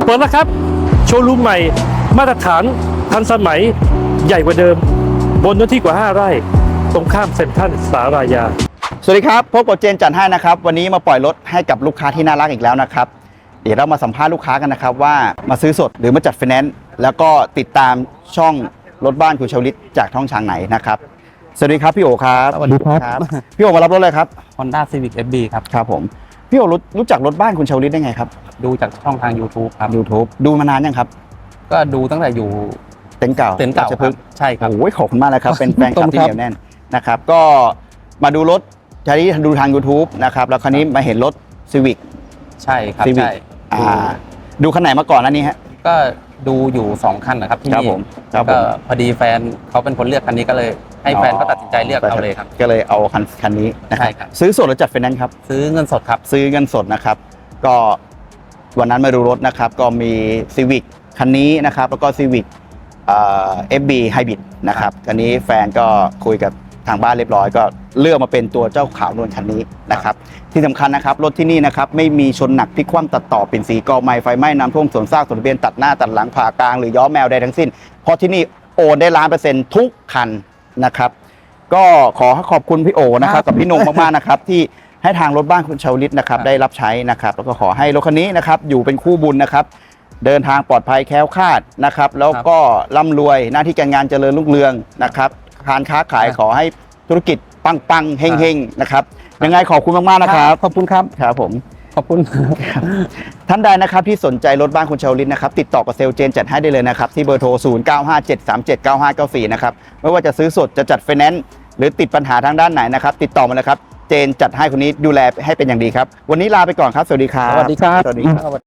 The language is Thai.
ปิดแล้วครับโชว์รูมใหม่มาตรฐานทันสมัยใหญ่กว่าเดิมบนเนื้อที่กว่า5 ไร่ตรงข้ามเซ็นทรัลสารายาสวัสดีครับพบกับเจนจัดให้นะครับวันนี้มาปล่อยรถให้กับลูกค้าที่น่ารักอีกแล้วนะครับเดี๋ยวเรามาสัมภาษณ์ลูกค้ากันนะครับว่ามาซื้อสดหรือมาจัดไฟแนนซ์แล้วก็ติดตามช่องรถบ้านคุณชวลิตจากช่องทางไหนนะครับสวัสดีครับพี่โอครับสวัสดีครับพี่โอมารับรถเลยครับ Honda Civic FB ครับครับผมพี่โอรู้จักรถบ้านคุณชวลิตได้ไงครับดูจากช่องทาง YouTube ครับ YouTube ดูมานานยังครับก็ดูตั้งแต่อยู่เต็นท์เก่าเต็นท์เก่าราชคพรัฤบกษ์ใช่ครับโอ้ยขอบคุณมากเลยครับเป็นแฟนคลับที่ครับเหนียวแน่นนะครับก็มาดูรถใช้ดูทาง YouTube นะครับแล้วคราวนี้มาเห็นรถ Civic ใช่ครับ Civic ใช่ดูคันไหนมาก่อนอันนี้ฮะก็ดูอยู่2คันนะครับที่ครับนี่ผมครับผมก็พอดีแฟนเขาเป็นคนเลือกคันนี้ก็เลยให้แฟนก็ตัดสินใจเลือกเอาเลยครับก็เลยเอาคันนี้นะครัใช่ครับซื้อสดหรือจัดไฟแนนซ์ครับซื้อเงินสดครับซื้อเงินสดนะครับก็วันนั้นมาดูรถนะครับก็มี Civic คันนี้นะครับแล้วก็ Civic FB Hybrid นะครับคันนี้แฟนก็คุยกับทางบ้านเรียบร้อยก็เลือกมาเป็นตัวเจ้าขาวนวลคันนี้นะครับที่สำคัญนะครับรถที่นี่นะครับไม่มีชนหนักพลิกคว่ำตัดต่อเป็นสีกอไม้ไฟไหม้น้ำท่วมสวนซากสวนทะเบียนตัดหน้าตัดหลังผ่ากลางหรือย้อแมวใดทั้งสิ้นเพราะที่นี่โอนได้100%ทุกคันนะครับก็ขอขอบคุณพี่โอนะครับกับพี่นงมากๆนะครับที่ให้ทางรถบ้านคุณชาวลิตนะครับได้รับใช้นะครับแล้วก็ขอให้รถคันนี้นะครับอยู่เป็นคู่บุญนะครับเดินทางปลอดภัยแคล้วคลาดนะครับแล้วก็ร่ำรวยหน้าที่การงานเจริญรุ่งเรืองนะครับการค้าขายขอให้ธุรกิจปังๆเฮงๆนะครับยังไงขอบคุณมากๆนะครับขอบคุณครับครับผมขอบคุณท่านใดนะครับที่สนใจรถบ้านคุณชาวลิตนะครับติดต่อกับเซลล์เจนจัดให้ได้เลยนะครับที่เบอร์โทร 0957379594 นะครับไม่ว่าจะซื้อสดจะจัดไฟแนนซ์หรือติดปัญหาทางด้านไหนนะครับติดต่อมาเลยครับเจนจัดให้คนนี้ดูแลให้เป็นอย่างดีครับวันนี้ลาไปก่อนครับสวัสดีครับสวัสดีครับสวัสดีครับ